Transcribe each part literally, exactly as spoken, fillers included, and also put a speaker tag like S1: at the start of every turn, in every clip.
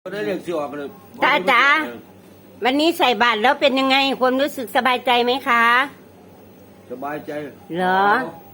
S1: ได้เรียกสิออกเลย
S2: ตาจ๋าวันนี้ใส่บาตรแล้วเป็นยังไงความรู้สึกสบายใจไหมคะ
S1: สบายใจ
S2: เหรอ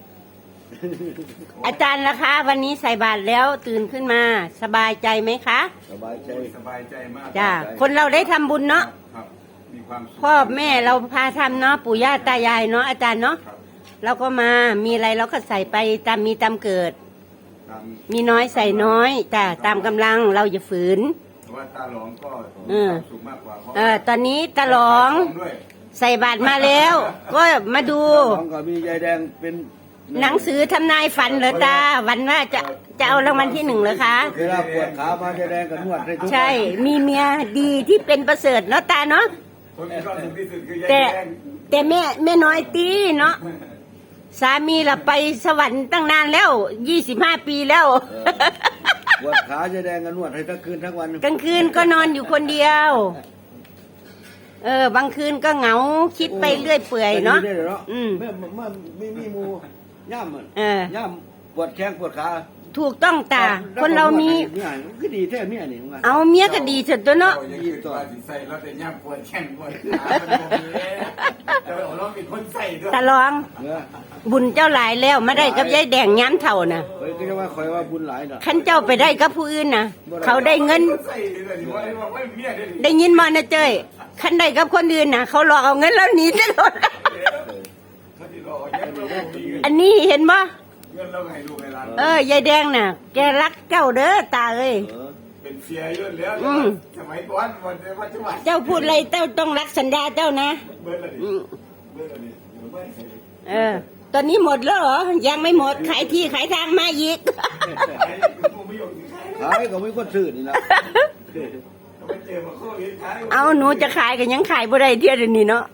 S2: อาจารย์ล่ะคะ วันนี้ใส่บาตรแล้วตื่นขึ้นมา สบายใจไหมคะ
S1: สบายใจ
S3: สบายใจมาก
S2: จ้าคนเราได้ทำบุญเนาะ
S3: ครับมีความสุข
S2: พ่อแม่เราพาทำเนาะปู่ย่าตายายเนาะอาจารย์เนาะ
S3: ครับ
S2: เราก็มามีอะไรเราก็ใส่ไปตามมีตามเกิด
S3: ตาม
S2: มีน้อยใส่น้อยจ้าตามกำลังเราอย่าฝืน
S3: เพราะว่าตาหลองก็
S2: เอ
S3: มี
S2: อ
S3: ความสุขมากกว่าเพราะ
S2: เออตอนนี้ตาหลอง
S3: ด้วย
S2: ใส่บาตรมาแล้ว ก็มาดู
S1: ของก็มียายแดงเป็น
S2: หนังสือทำนายฝันเหรอตาวันว่าจะจะเอารางวัลที่หนึ่งเหรอคะ
S1: เวลาปวดขามายายแดงก็นวดให้ทุกวัน
S2: ใช่มีเมียดีที่เป็นประเสริฐเนาะตาเนาะ
S3: คนที่ความสุขที่สุดคือยาย
S2: แต่
S3: แดง
S2: แต่แม่แม่น้อยตีเนาะสามีเราไปสวรรค์ตั้งนานแล้วยี่สิบห้าปีแล้ว
S1: ปวดขายายแดงก็นวดให้ทั้งคืนทั้งวัน
S2: กลางคืนก็นอนอยู่คนเดียว เออบางคืนก็เหงาคิดไปเรื่อยเปื่อยเนาะ
S1: ไปดีได้เหรอ
S2: อืม
S1: เมื่อเมื่อไม่มีหมูย่ำมัน
S2: เออ
S1: ย่ำปวดแข้งปวดขา
S2: ถูกต้องตา คนเรามี
S1: เนี่ยก็ดีแท้เมียนี่ว่า
S2: เอาเมียก็ดีสุดตัวเนาะ
S3: เรายังคือตัวสิใส่แล้วแต่ย่ำปวดแข้งปวดขามันบ่มีแต่ว่าเราเป็นคนใส่ด้วย
S2: ตาลอง
S1: เออ
S2: บุญเจ้าหลายแล้วมาได้กับยายแดงย้ำเท่าน่ะ
S1: เฮ้ยก็จะว่าคอยว่าบุญหลายเนาะ
S2: ขันเจ้าไปได้กับผู้อื่นน่ะ เขาได้เงิน
S3: ใส่เลยนี่ว่าว่าว่าเมียได้ดิ
S2: ได้ยินมานะเจ้ยขันได้กับคนอื่นน่ะ เขาหลอกเอาเงินแล้วหนีตลอด
S3: เขาสิรอเงินเราบ่มีเงิน
S2: อันนี้เห็นบ่
S3: เงินเราให้ลูกให้หลาน
S2: เออยายแดงน่ะ แกรักเจ้าเด้อตาเอ้ย
S1: เออ
S3: เป็นเสียเยอะแล้ว
S2: อืม
S3: สมัยก่อนวันปัจจุบัน
S2: เจ้าพูดอะไรเจ้าต้องรักสัญญาเจ้านะ
S3: เบิร์ดละดิ
S2: อืม
S3: เบิร์ดละดิเดี๋ยวเบิร์ดใส่
S2: เออ ตอนนี้หมดแล้วเหรอ ยังไม่หมดขายที่ขายทางมาอีก
S3: ไอ้เป็นผู้ไม่ยอมสิขาย
S1: ขายก็ไม่คนซื้อนี่ละ
S3: เขาไปเจอมาโควิดขาย
S2: เอาหนูจะขายก็ยังขายบ่ได้เดียวเดี๋ยวนี้เนาะ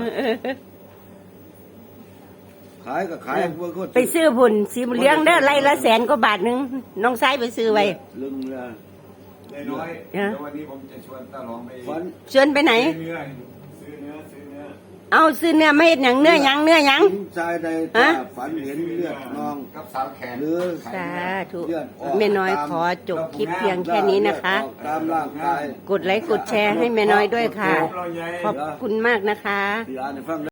S1: ขายก็ขายพวกคน
S2: ไปซื้อผุนสีบุญเลี้ยงเด้อไร่ละแสนกว่าบาทหนึงน้องซ้ายไปซื้อไว้
S1: ลึงเลย
S3: น้อยๆแล้ววันนี้ผมจะชวนตาหลองไป
S1: ฝัน
S2: ชวนไปไหน
S3: ซื้อเนื้อซื้อเนื้อซื้อเนื้อ
S2: เอาซื้อเนื้อไม่เห็นหยังเนื้อหยังเนื้อหยัง
S1: ชายใน
S2: ฮะ
S1: ตาฝันเห็นเลือดนอง
S3: กับสาวแขน
S1: หรือ
S2: สาธุ
S1: เลือดออก
S2: แม่น้อยขอจบคลิปเพียงแค่นี้นะคะ
S1: เลือดออกตามร่างกาย
S2: กดไลค์กดแชร์ให้แม่น้อยด้วยค่ะ
S3: เราใหญ่
S2: ขอบคุณมากนะคะ
S1: ที่อ่านให้ฟัง